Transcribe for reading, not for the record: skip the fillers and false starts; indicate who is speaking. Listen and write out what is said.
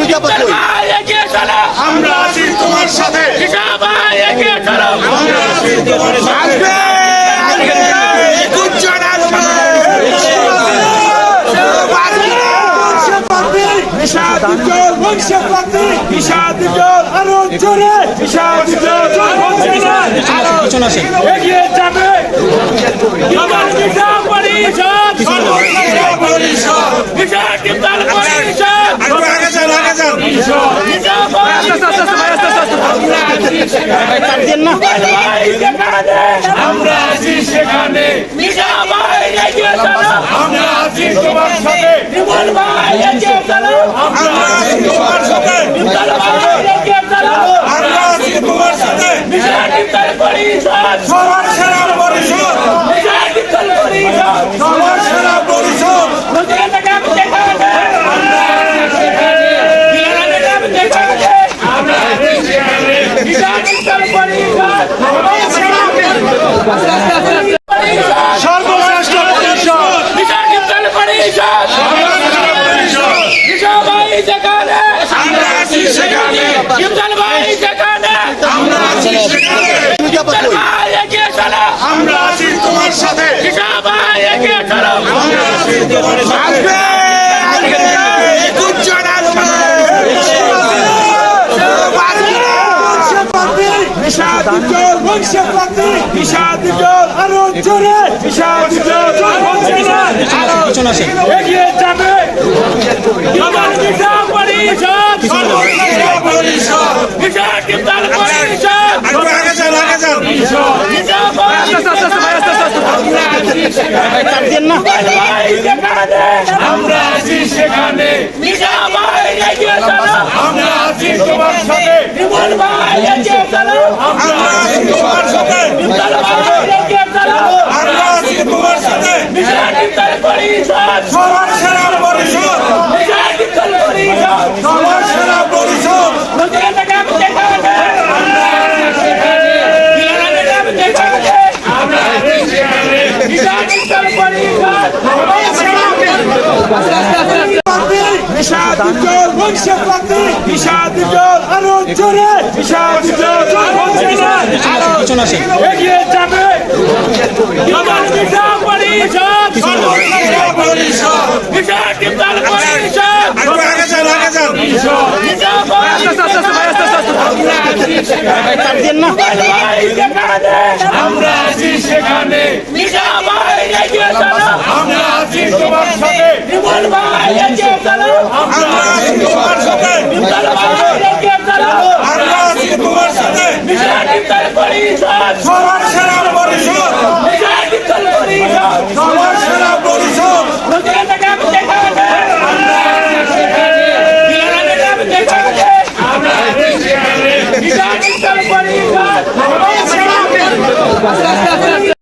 Speaker 1: আমরা আছি তোমার সাথে, আমরা আছি তোমার সাথে।
Speaker 2: এগিয়ে যাবে আমার বিশাল পরিষদ, বিশাল বিশাল পরিষদ। আমরা আছি সেখানে, আমরা আছি তোমার সাথে, আমরা আছি তোমার সাথে, আমরা আছি তোমার সাথে। সবার সেরা পরিষদ, সবার সেরা পরিষদ। সর্বশ্রেষ্ঠ পরিষদ, আমরা আছি সেখানে, আমরা আছি সেখানে, আমরা আছি তোমার সাথে, আমরা আছি তোমার সাথে। এগিয়ে যাবে আমার বিশাল পরিষদ, বিশাল বিশাল পরিষদ। আমরা আছি সেখানে, আমরা আছি তোমার সাথে, আমরা আছি তোমার সাথে, আমরা আছি তোমার সাথে। সবার সেরা পরিষদ, সবার সেরা পরিষদ। এগিয়ে যাবে আমার বিশাল পরিষদ, বিশাল বিশাল পরিষদ। আমরা আছি সেখানে, আমরা আছি তোমার সাথে, আমরা আছি তোমার সাথে, আমরা আছি তোমার সাথে। সবার